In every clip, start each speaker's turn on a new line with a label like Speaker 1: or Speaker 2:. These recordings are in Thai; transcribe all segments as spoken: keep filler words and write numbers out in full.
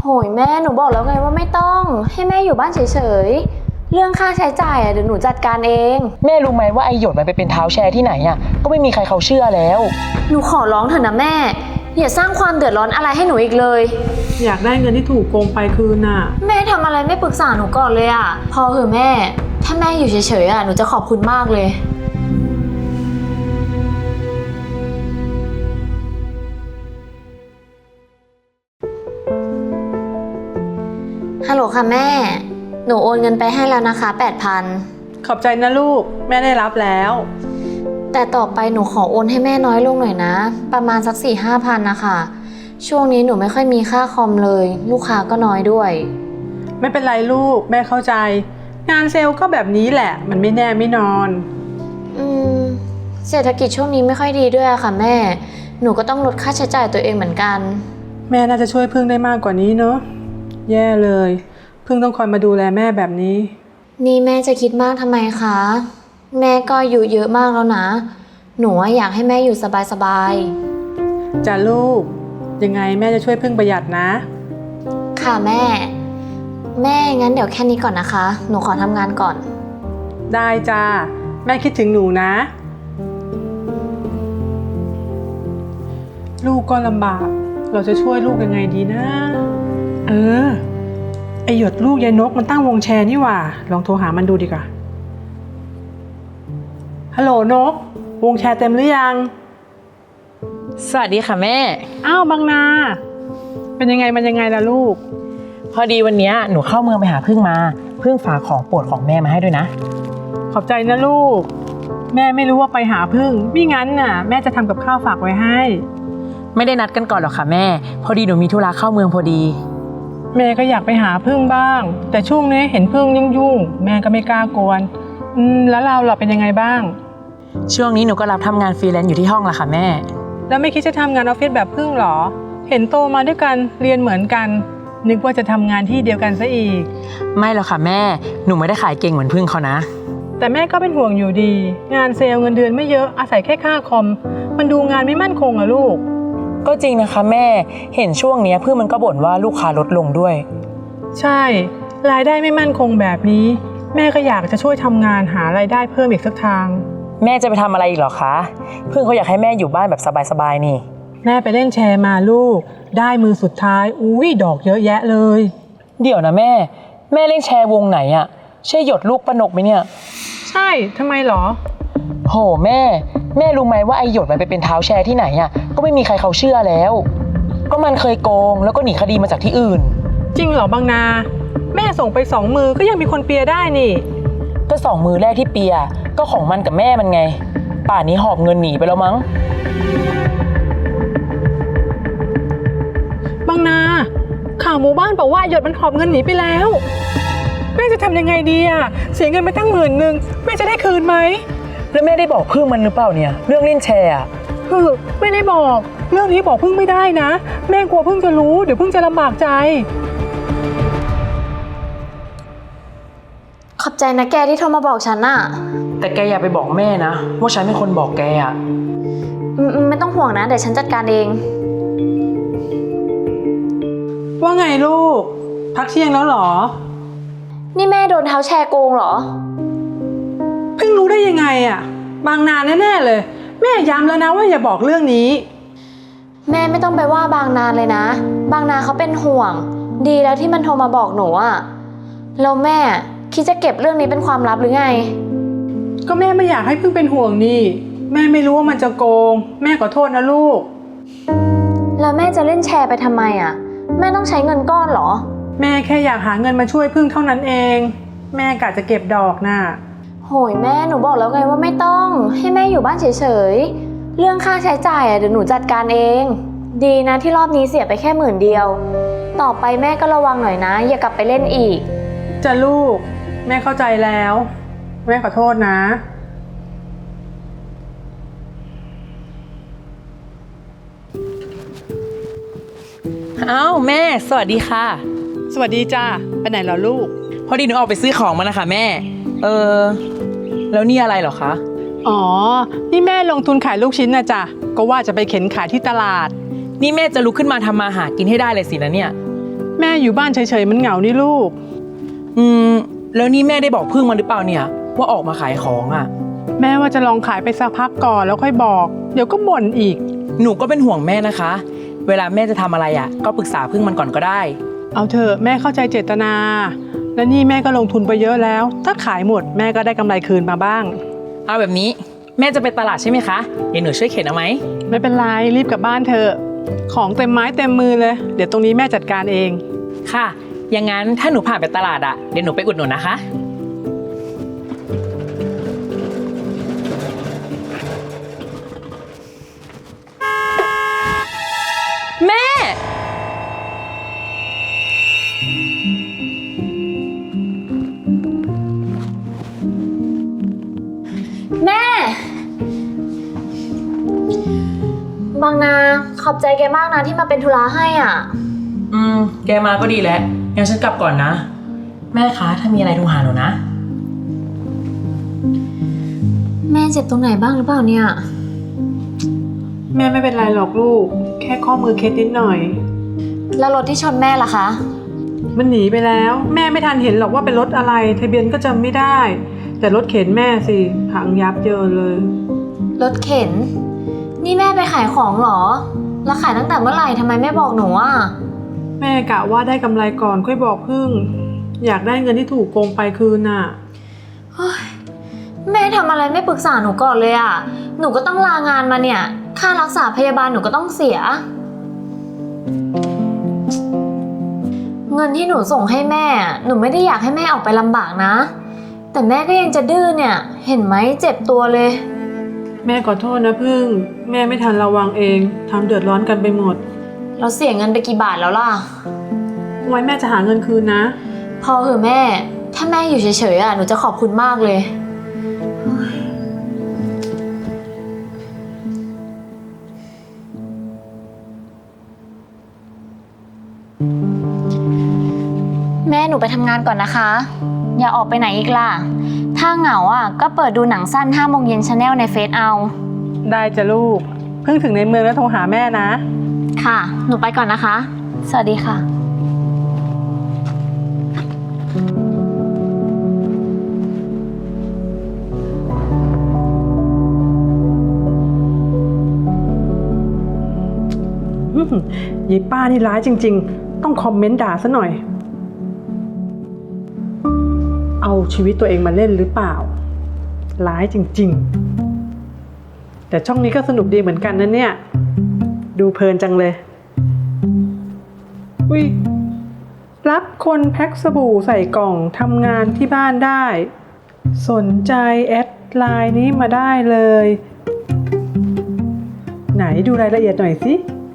Speaker 1: โหยแม่หนูบอกแล้วไงว่าไม่ต้องให้แม่อยู่บ้านเฉยๆเรื่องค่าใช้จ่ายอ่ะเดี๋ยวหนูจัดการเอง
Speaker 2: แม่รู้ไหมว่าไอหยดมันไปเป็นเท้าแชร์ที่ไหนอ่ะก็ไม่มีใครเขาเชื่อแล้ว
Speaker 1: หนูขอร้องเถอะนะแม่อย่าสร้างความเดือดร้อนอะไรให้หนูอีกเลย
Speaker 3: อยากได้เงินที่ถูกโกงไปคืนน่ะ
Speaker 1: แม่ทำอะไรไม่ปรึกษาหนูก่อนเลยอ่ะพอเหอะแม่ถ้าแม่อยู่เฉยๆอ่ะหนูจะขอบคุณมากเลยฮัลโหลค่ะแม่หนูโอนเงินไปให้แล้วนะคะแปดพัน
Speaker 3: ขอบใจนะลูกแม่ได้รับแล้ว
Speaker 1: แต่ต่อไปหนูขอโอนให้แม่น้อยลงหน่อยนะประมาณสักสี่ห้าพันนะคะช่วงนี้หนูไม่ค่อยมีค่าคอมเลยลูกค้าก็น้อยด้วย
Speaker 3: ไม่เป็นไรลูกแม่เข้าใจงานเซลล์ก็แบบนี้แหละมันไม่แน่ไม่นอน
Speaker 1: อืมเศรษฐกิจช่วงนี้ไม่ค่อยดีด้วยอะค่ะแม่หนูก็ต้องลดค่าใช้จ่ายตัวเองเหมือนกัน
Speaker 3: แม่น่าจะช่วยพึ่งได้มากกว่านี้เนอะแย่เลยพึ่งต้องคอยมาดูแลแม่แบบนี้
Speaker 1: นี่แม่จะคิดมากทำไมคะแม่ก็อายุเยอะมากแล้วนะหนูอยากให้แม่อยู่สบาย
Speaker 3: ๆจ้ะลูกยังไงแม่จะช่วยพึ่งประหยัดนะ
Speaker 1: ค่ะแม่แม่งั้นเดี๋ยวแค่นี้ก่อนนะคะหนูขอทำงานก่อน
Speaker 3: ได้จ้าแม่คิดถึงหนูนะลูกก็ลำบากเราจะช่วยลูกยังไงดีนะเออไอหยดลูกยายนกมันตั้งวงแชร์นี่หว่าลองโทรหามันดูดีกว่าฮัลโหลนกวงแชร์เต็มหรือยัง
Speaker 2: สวัสดีค่ะแม่
Speaker 3: อ้าวบางนาเป็นยังไงมันยังไงล่ะลูก
Speaker 2: พอดีวันนี้หนูเข้าเมืองไปหาพึ่งมาพึ่งฝากของโปรดของแม่มาให้ด้วยนะ
Speaker 3: ขอบใจนะลูกแม่ไม่รู้ว่าไปหาพึ่งไม่งั้นน่ะแม่จะทำกับข้าวฝากไว้ให้
Speaker 2: ไม่ได้นัดกันก่อนหรอกค่ะแม่พอดีหนูมีธุระเข้าเมืองพอดี
Speaker 3: แม่ก็อยากไปหาพึ่งบ้างแต่ช่วงนี้เห็นพึ่งยุ่งๆแม่ก็ไม่กล้ากวนอืมแล้วเราล่ะเป็นยังไงบ้าง
Speaker 2: ช่วงนี้หนูก็รับทำงานฟรีแลนซ์อยู่ที่ห้องละค่ะแม่
Speaker 3: แล้วไม่คิดจะทำงานออฟฟิศแบบพึ่งหรอเห็นโตมาด้วยกันเรียนเหมือนกันนึกว่าจะทำงานที่เดียวกันซะอีก
Speaker 2: ไม่หรอกค่ะแม่หนูไม่ได้ขายเก่งเหมือนพึ่งเขานะ
Speaker 3: แต่แม่ก็เป็นห่วงอยู่ดีงานเซลล์เงินเดือนไม่เยอะอาศัยแค่ค่าคอมมันดูงานไม่มั่นคงอะลูก
Speaker 2: ก็จริงนะคะแม่เห็นช่วงนี้พึ่งมันก็บ่นว่าลูกค้าลดลงด้วย
Speaker 3: ใช่รายได้ไม่มั่นคงแบบนี้แม่ก็อยากจะช่วยทำงานหารายได้เพิ่มอีกสักทาง
Speaker 2: แม่จะไปทำอะไรอีกหรอคะพึ่งเขาอยากให้แม่อยู่บ้านแบบสบายๆนี่
Speaker 3: แม่ไปเล่นแชร์มาลูกได้มือสุดท้ายอุ้ยดอกเยอะแยะเลย
Speaker 2: เดี๋ยวนะแม่แม่เล่นแชร์วงไหนอะใช่หยดลูกปนกไหมเนี่ย
Speaker 3: ใช่ทำไมหรอ
Speaker 2: โหแม่แม่รู้ไหมว่าไอหยดมันไปเป็นเท้าแชร์ที่ไหนอะก็ไม่มีใครเขาเชื่อแล้วก็มันเคยโกงแล้วก็หนีคดีมาจากที่อื่น
Speaker 3: จริงเหรอบางนาแม่ส่งไปสองมือก็ยังมีคนเปียได้นี่
Speaker 2: ก็สองมือแรกที่เปียก็ของมันกับแม่มันไงป่านนี้หอบเงินหนีไปแล้วมั้ง
Speaker 3: บางนาข่าวหมู่บ้านบอกว่าหยดมันหอบเงินหนีไปแล้วแม่จะทำยังไงดีอะเสียเงินไปตั้งหมื่นหนึ่งแม่จะได้คืนไหม
Speaker 2: แล้วแม่ได้บอกพึ่งมันหรือเปล่าเนี่ยเรื่องเล่นแชร์อะ
Speaker 3: คือไม่ได้บอกเรื่องนี้บอกพึ่งไม่ได้นะแม่กลัวพึ่งจะรู้เดี๋ยวพึ่งจะลำบากใจ
Speaker 1: ขอบใจนะแกที่โทรมาบอกฉันน่ะ
Speaker 2: แต่แกอย่าไปบอกแม่นะว่าฉันเป็นคนบอกแกอะ
Speaker 1: อืมไม่ต้องห่วงนะเดี๋ยวฉันจัดการเอง
Speaker 3: ว่าไงลูกพักเที่ยงแล้วหรอ
Speaker 1: นี่แม่โดนเท้าแชร์โกงเหรอ
Speaker 3: เพิ่งรู้ได้ยังไงอะบางนาแน่ๆเลยแม่ย้ำแล้วนะว่าอย่าบอกเรื่องนี้
Speaker 1: แม่ไม่ต้องไปว่าบางนาเลยนะบางนาเขาเป็นห่วงดีแล้วที่มันโทรมาบอกหนูอะแล้วแม่คิดจะเก็บเรื่องนี้เป็นความลับหรือไง
Speaker 3: ก็แม่ไม่อยากให้เพิ่งเป็นห่วงนี่แม่ไม่รู้ว่ามันจะโกงแม่ขอโทษนะลูก
Speaker 1: แล้วแม่จะเล่นแชร์ไปทำไมอะแม่ต้องใช้เงินก้อนเหรอ
Speaker 3: แม่แค่อยากหาเงินมาช่วยพึ่งเท่านั้นเองแม่กะจะเก็บดอกน่ะ
Speaker 1: โหยแม่หนูบอกแล้วไงว่าไม่ต้องให้แม่อยู่บ้านเฉยๆเรื่องค่าใช้จ่ายอ่ะเดี๋ยวหนูจัดการเองดีนะที่รอบนี้เสียไปแค่หมื่นเดียวต่อไปแม่ก็ระวังหน่อยนะอย่ากลับไปเล่นอีก
Speaker 3: จ้ะลูกแม่เข้าใจแล้วแม่ขอโทษนะ
Speaker 2: อ้าวแม่สวัสดีค่ะ
Speaker 3: สวัสดีจ้าไปไหนเหรอลูก
Speaker 2: พอดีหนูออกไปซื้อของมานะคะแม่เออแล้วนี่อะไรเหรอคะ
Speaker 3: อ๋อนี่แม่ลงทุนขายลูกชิ้นนะจ๊ะก็ว่าจะไปเข็นขายที่ตลาด
Speaker 2: นี่แม่จะลุกขึ้นมาทำมาหากินให้ได้เลยสินะเนี่ย
Speaker 3: แม่อยู่บ้านเฉยๆมันเหงานี่ลูก
Speaker 2: อืมแล้วนี่แม่ได้บอกพึ่งมันหรือเปล่าเนี่ยว่าออกมาขายของอ่ะ
Speaker 3: แม่ว่าจะลองขายไปสักพักก่อนแล้วค่อยบอก เดี๋ยวก็บ่นอีก
Speaker 2: หนูก็เป็นห่วงแม่นะคะ เวลาแม่จะทำอะไรอ่ะก็ปรึกษาพึ่งมันก่อนก็ได้
Speaker 3: เอาเถอะแม่เข้าใจเจตนา และนี่แม่ก็ลงทุนไปเยอะแล้ว ถ้าขายหมดแม่ก็ได้กำไรคืนมาบ้าง
Speaker 2: เอาแบบนี้แม่จะไปตลาดใช่ไหมคะเดี๋ยวหนูช่วยเข็นเอาไหม
Speaker 3: ไม่เป็นไรรีบกลับบ้านเถอะของเต็มไม้เต็มมือเลย เดี๋ยวตรงนี้แม่จัดการเอง
Speaker 2: ค่ะอย่างนั้นถ้าหนูผ่านไปตลาดอ่ะเดี๋ยวหนูไปอุดหนุนนะคะแม่
Speaker 1: แม่ บางนาขอบใจแกมากนะที่มาเป็นธุระให้อ่ะ
Speaker 2: อืมแกมาก็ดีแล้วงั้นฉันกลับก่อนนะแม่คะถ้ามีอะไรโทรหาหนูนะ
Speaker 1: แม่เจ็บตรงไหนบ้างหรือเปล่าเนี่ย
Speaker 3: แม่ไม่เป็นไรหรอกลูก แค่ข้อมือเคล็ดนิดหน่อย
Speaker 1: แล้วรถที่ชนแม่ล่ะคะ
Speaker 3: มันหนีไปแล้ว แม่ไม่ทันเห็นหรอกว่าเป็นรถอะไรทะเบียนก็จำไม่ได้ แต่รถเข็นแม่สิพังยับเยินเลย
Speaker 1: รถเข็น นี่แม่ไปขายของเหรอ แล้วขายตั้งแต่เมื่อไหร่ทำไมไม่บอกหนูอ่ะ
Speaker 3: แม่กะว่าได้กำไรก่อนค่อยบอกพึ่ง อยากได้เงินที่ถูกโกงไปคืนน่ะ
Speaker 1: เฮ้ยแม่ทำอะไรไม่ปรึกษาหนูก่อนเลยอ่ะ หนูก็ต้องลางานมาเนี่ย ค่ารักษาพยาบาลหนูก็ต้องเสีย เงินที่หนูส่งให้แม่อะหนูไม่ได้อยากให้แม่ออกไปลำบากนะ แต่แม่ก็ยังจะดื้อเนี่ย เห็นไหมเจ็บตัวเลย
Speaker 3: แม่ขอโทษนะพึ่ง แม่ไม่ทันระวังเองทำเดือดร้อนกันไปหมด
Speaker 1: เราเสียเงินไปกี่บาทแล้วล่ะ
Speaker 3: ไว้แม่จะหาเงินคืนนะ
Speaker 1: พอเหอะแม่ ถ้าแม่อยู่เฉยๆอ่ะหนูจะขอบคุณมากเลย แม่หนูไปทำงานก่อนนะคะ อย่าออกไปไหนอีกล่ะ ถ้าเหงาอ่ะก็เปิดดูหนังสั้นห้าโมงเย็นชาแนลในเฟซเอา
Speaker 3: ได้จ้ะลูก เพิ่งถึงในเมืองแล้วโทรหาแม่นะ
Speaker 1: ค่ะ หนูไปก่อนนะคะ สวัสดีค่ะ
Speaker 3: อื้อหือยีป้านี่ร้ายจริงๆ ต้องคอมเมนต์ด่าซะหน่อย เอาชีวิตตัวเองมาเล่นหรือเปล่า ร้ายจริงๆ แต่ช่องนี้ก็สนุกดีเหมือนกันนะเนี่ย ดูเพลินจังเลย อุ้ยรับคนแพ็คสบู่ใส่กล่องทำงานที่บ้านได้ สนใจแอดไลน์นี้มาได้เลย ไหนดูรายละเอียดหน่อยสิ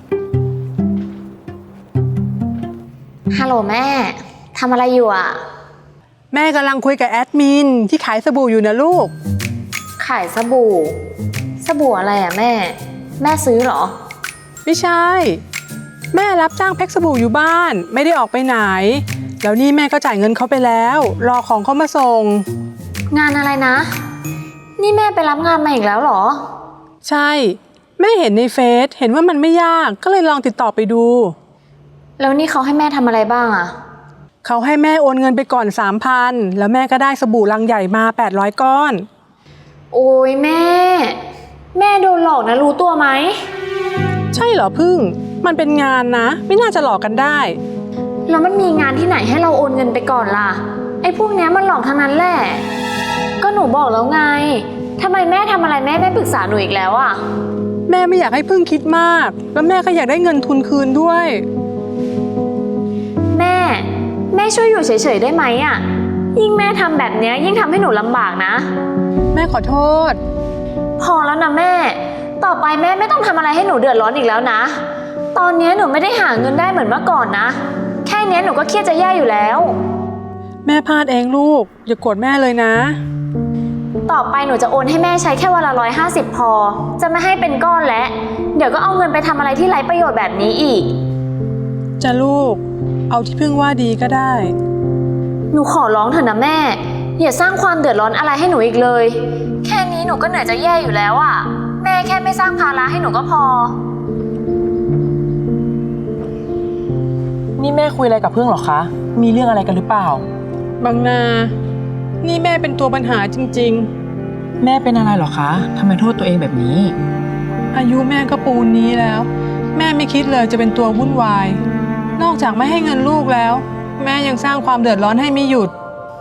Speaker 1: ฮัลโหลแม่ ทำอะไรอยู่อ่ะ
Speaker 3: แม่กำลังคุยกับแอดมินที่ขายสบู่อยู่นะลูก
Speaker 1: ขายสบู่ สบู่อะไรอ่ะแม่ แม่ซื้อเหรอ
Speaker 3: ไม่ใช่ แม่รับจ้างแพ็คสบู่อยู่บ้านไม่ได้ออกไปไหน แล้วนี่แม่ก็จ่ายเงินเขาไปแล้ว รอของเขามาส่ง
Speaker 1: งานอะไรนะ นี่แม่ไปรับงานมาอีกแล้วเหรอ
Speaker 3: ใช่ แม่เห็นในเฟซเห็นว่ามันไม่ยากก็เลยลองติดต่อไปดู
Speaker 1: แล้วนี่เขาให้แม่ทำอะไรบ้างอ่ะ
Speaker 3: เขาให้แม่โอนเงินไปก่อน สามพัน แล้วแม่ก็ได้สบู่ลังใหญ่มาแปดร้อยก้อน
Speaker 1: โอ้ยแม่ แม่โดนหลอกนะรู้ตัวไหม
Speaker 3: ใช่เหรอพึ่ง มันเป็นงานนะ ไม่น่าจะหลอกกันได้
Speaker 1: แล้วมันมีงานที่ไหนให้เราโอนเงินไปก่อนล่ะ ไอ้พวกเนี้ยมันหลอกทั้งนั้นแหละ ก็หนูบอกแล้วไงทำไมแม่ทำอะไรแม่ไม่ปรึกษาหนูอีกแล้วอ่ะ
Speaker 3: แม่ไม่อยากให้พึ่งคิดมาก แล้วแม่ก็อยากได้เงินทุนคืนด้วย
Speaker 1: แม่ แม่ช่วยอยู่เฉยๆได้ไหมอ่ะ ยิ่งแม่ทำแบบเนี้ยยิ่งทำให้หนูลำบากนะ
Speaker 3: แม่ขอโทษ
Speaker 1: พอแล้วนะแม่ ต่อไปแม่ไม่ต้องทำอะไรให้หนูเดือดร้อนอีกแล้วนะ ตอนนี้หนูไม่ได้หาเงินได้เหมือนเมื่อก่อนนะ แค่นี้หนูก็เครียดจะแย่อยู่แล้ว
Speaker 3: แม่พลาดเองลูก อย่าโกรธแม่เลยนะ
Speaker 1: ต่อไปหนูจะโอนให้แม่ใช้แค่วันละร้อยห้าสิบพอ จะไม่ให้เป็นก้อนแล้ว เดี๋ยวก็เอาเงินไปทำอะไรที่ไร้ประโยชน์แบบนี้อีก
Speaker 3: จะลูก เอาที่พึ่งว่าดีก็ได้
Speaker 1: หนูขอร้องเถอะนะแม่ อย่าสร้างความเดือดร้อนอะไรให้หนูอีกเลย แค่นี้หนูก็เหนื่อยจะแย่อยู่แล้วอะแม่แค่ไม่สร้างภาระให้หนูก็พอ
Speaker 2: นี่แม่คุยอะไรกับพึ่งเหรอคะ มีเรื่องอะไรกันหรือเปล่า
Speaker 3: บางนา นี่แม่เป็นตัวปัญหาจริง
Speaker 2: แม่เป็นอะไรเหรอคะทำไมโทษตัวเองแบบนี้
Speaker 3: ๆ อายุแม่ก็ปูนนี้แล้ว แม่ไม่คิดเลยจะเป็นตัววุ่นวาย นอกจากไม่ให้เงินลูกแล้ว แม่ยังสร้างความเดือดร้อนให้ไม่หยุด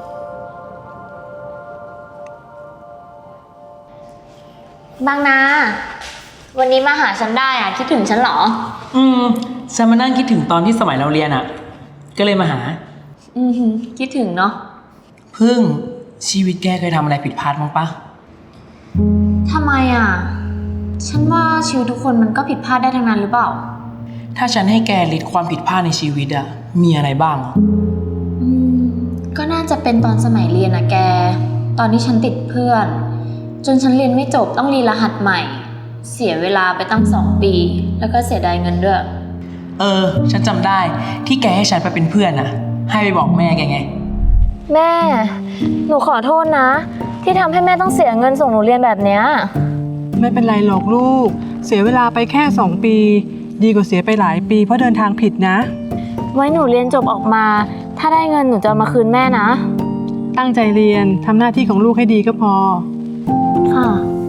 Speaker 1: บางนา วันนี้มาหาฉันได้อ่ะคิดถึงฉันเหรอ
Speaker 2: อืมฉันมานั่งคิดถึงตอนที่สมัยเราเรียนอะ่ะ ก็เลยมาหา
Speaker 1: อือหือคิดถึงเนาะ
Speaker 2: พึ่งชีวิตแกเคยทำอะไรผิดพลาดบ้างปะ
Speaker 1: ทำไมอ่ะ ฉันว่าชีวิตทุกคนมันก็ผิดพลาดได้ทั้งนั้นหรือเปล่า
Speaker 2: ถ้าฉันให้แกลิสต์ความผิดพลาดในชีวิตอะมีอะไรบ้าง
Speaker 1: อืมก็น่าจะเป็นตอนสมัยเรียนนะแก ตอนที่ฉันติดเพื่อน จนฉันเรียนไม่จบต้องรีรหัสใหม่ เสียเวลาไปตั้งสองปี แล้วก็เสียดายเงินด้วย
Speaker 2: เออ ฉันจำได้ที่แกให้ฉันไปเป็นเพื่อนอะให้ไปบอกแม่แกไง
Speaker 1: แม่ หนูขอโทษนะ ที่ทำให้แม่ต้องเสียเงินส่งหนูเรียนแบบเนี้ย
Speaker 3: ไม่เป็นไรหรอกลูก เสียเวลาไปแค่สองปี ดีกว่าเสียไปหลายปีเพราะเดินทางผิดนะ
Speaker 1: ไว้หนูเรียนจบออกมา ถ้าได้เงินหนูจะเอามาคืนแม่นะ
Speaker 3: ตั้งใจเรียนทำหน้าที่ของลูกให้ดีก็พอ
Speaker 1: ค่ะ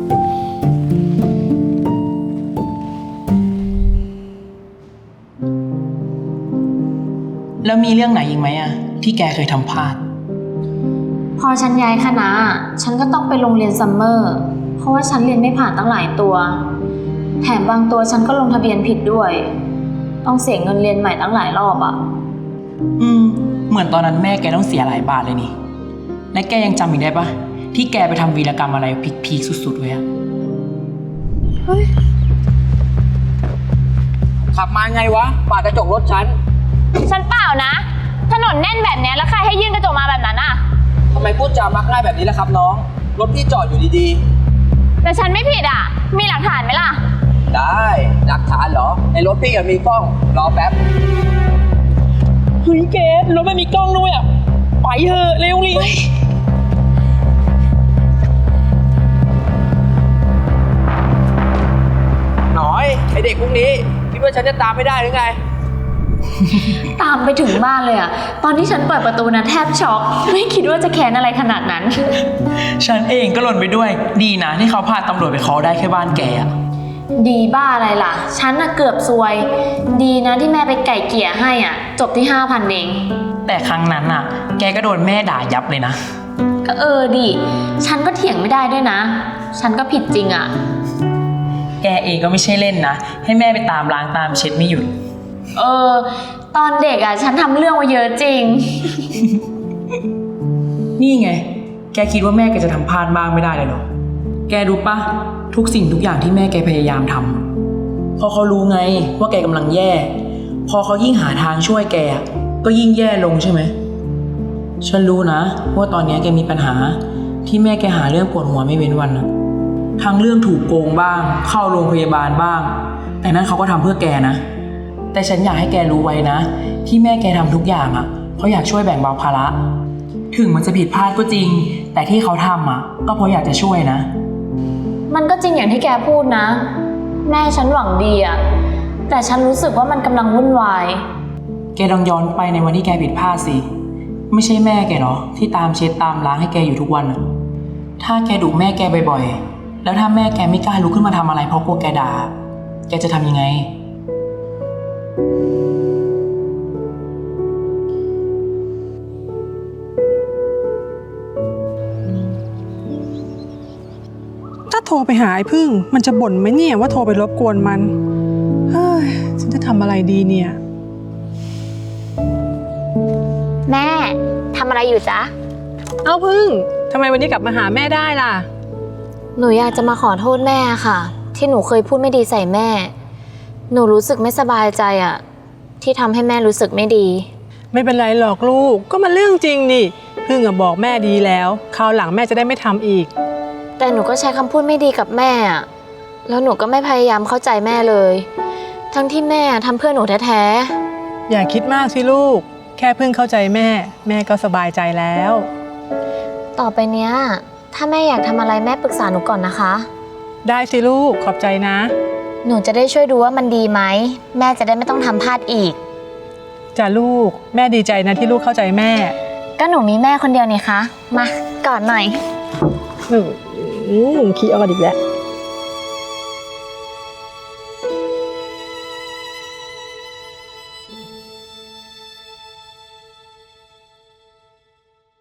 Speaker 2: แล้วมีเรื่องไหนอีกไหมอะที่แกเคยทำพลาด
Speaker 1: พอฉันย้ายคณะ ฉันก็ต้องไปโรงเรียนซัมเมอร์ เพราะว่าฉันเรียนไม่ผ่านตั้งหลายตัว แถมบางตัวฉันก็ลงทะเบียนผิดด้วย ต้องเสียเงินเรียนใหม่ตั้งหลายรอบอะ
Speaker 2: อืม เหมือนตอนนั้นแม่แกต้องเสียหลายบาทเลยนี่ และแกยังจำอีกได้ปะที่แกไปทำวีรกรรมอะไรพีคๆสุดๆไว้อะ
Speaker 3: เฮ้ย
Speaker 4: ขับมาไงวะปาดกระจกรถฉัน
Speaker 1: ฉันเปล่านะ ถนนแน่นแบบนี้แล้วใครให้ยื่นกระจกมาแบบนั้นอะ
Speaker 4: ทำไมพูดจามักง่ายแบบนี้ล่ะครับน้อง รถพี่จอดอยู่ดี
Speaker 1: แต่ฉันไม่ผิดอะมีหลักฐานไหมล่ะ
Speaker 4: ๆ ได้ หลักฐานเหรอ ในรถพี่ก็มีกล้อง รอแป๊บ
Speaker 2: เฮ้ยแกรถไม่มีกล้องด้วยอะไปเถอะเร็วเลย
Speaker 4: หน่อย ไอเด็กพวกนี้คิดว่าฉันจะตามไม่ได้หรือไง
Speaker 1: ตามไปถึงบ้านเลยอะตอนที่ฉันเปิดประตูนะแทบช็อก ไม่คิดว่าจะแค้นอะไรขนาดนั้น
Speaker 2: ฉันเองก็หล่นไปด้วย ดีนะที่เขาพาตำรวจไปเคาะได้แค่บ้านแกอะ
Speaker 1: ดีบ้าอะไรล่ะ ฉันน่ะเกือบซวย ดีนะที่แม่ไปไก่เกลี่ยให้อ่ะ จบที่ห้าพันเอง
Speaker 2: แต่ครั้งนั้นน่ะ แกก็โดนแม่ด่ายับเลยนะ
Speaker 1: ก็เออดิ ฉันก็เถียงไม่ได้ด้วยนะ ฉันก็ผิดจริงอ่ะ
Speaker 2: แกเองก็ไม่ใช่เล่นนะ ให้แม่ไปตามล้างตามเช็ดไม่หยุด
Speaker 1: เออ ตอนเด็กอ่ะ ฉันทำเรื่องมาเยอะจริง
Speaker 2: นี่ไง แกคิดว่าแม่แกจะทำพลาดบ้างไม่ได้เลยเหรอ แกรู้ปะทุกสิ่งทุกอย่างที่แม่แกพยายามทำพอเขารู้ไงว่าแกกำลังแย่ พอเขายิ่งหาทางช่วยแกก็ยิ่งแย่ลงใช่ไหม ฉันรู้นะว่าตอนนี้แกมีปัญหาที่แม่แกหาเรื่องปวดหัวไม่เว้นวันนะทั้งเรื่องถูกโกงบ้าง เข้าโรงพยาบาลบ้าง แต่นั้นเขาก็ทำเพื่อแกนะ แต่ฉันอยากให้แกรู้ไว้นะที่แม่แกทำทุกอย่างอ่ะเพราะอยากช่วยแบ่งเบาภาระถึงมันจะผิดพลาดก็จริง แต่ที่เขาทำอ่ะก็เพราะอยากจะช่วยนะ
Speaker 1: มันก็จริงอย่างที่แกพูดนะ แม่ฉันหวังดีอ่ะ แต่ฉันรู้สึกว่ามันกำลังวุ่นวาย
Speaker 2: แกลองย้อนไปในวันที่แกผิดพลาดสิ ไม่ใช่แม่แกเหรอที่ตามเช็ดตามล้างให้แกอยู่ทุกวันอะถ้าแกดุแม่แกบ่อยๆแล้วถ้าแม่แกไม่กล้าลุกขึ้นมาทำอะไรเพราะกลัวแกด่าแกจะทำยังไง
Speaker 3: ถ้าโทรไปหาไอ้พึ่ง มันจะบ่นไหมเนี่ยว่าโทรไปรบกวนมัน เฮ้ย ฉันจะทำอะไรดีเนี่ย
Speaker 1: แม่ทำอะไรอยู่จ๊ะ
Speaker 3: เอ้าพึ่งทำไมวันนี้กลับมาหาแม่ได้ล่ะ
Speaker 1: หนูอยากจะมาขอโทษแม่ค่ะ ที่หนูเคยพูดไม่ดีใส่แม่ หนูรู้สึกไม่สบายใจอะที่ทำให้แม่รู้สึกไม่ดี
Speaker 3: ไม่เป็นไรหรอกลูก ก็มันเรื่องจริงนี่ พึ่งอะบอกแม่ดีแล้วคราวหลังแม่จะได้ไม่ทำอีก
Speaker 1: แต่หนูก็ใช้คำพูดไม่ดีกับแม่อะแล้วหนูก็ไม่พยายามเข้าใจแม่เลย ทั้งที่แม่ทำเพื่อหนูแท้ๆ
Speaker 3: อย่าคิดมากสิลูก แค่พึ่งเข้าใจแม่ แม่ก็สบายใจแล้ว
Speaker 1: ต่อไปเนี้ยถ้าแม่อยากทำอะไรแม่ปรึกษาหนูก่อนนะคะ
Speaker 3: ได้สิลูกขอบใจนะ
Speaker 1: หนูจะได้ช่วยดูว่ามันดีไหมแม่จะได้ไม่ต้องทำพลาดอีก
Speaker 3: จ้าลูกแม่ดีใจนะที่ลูกเข้าใจแม่
Speaker 1: ก็หนูมีแม่คนเดียวนี่คะ มากอดหน่อย
Speaker 3: หนึ่งขี้ออดอีกแล้ว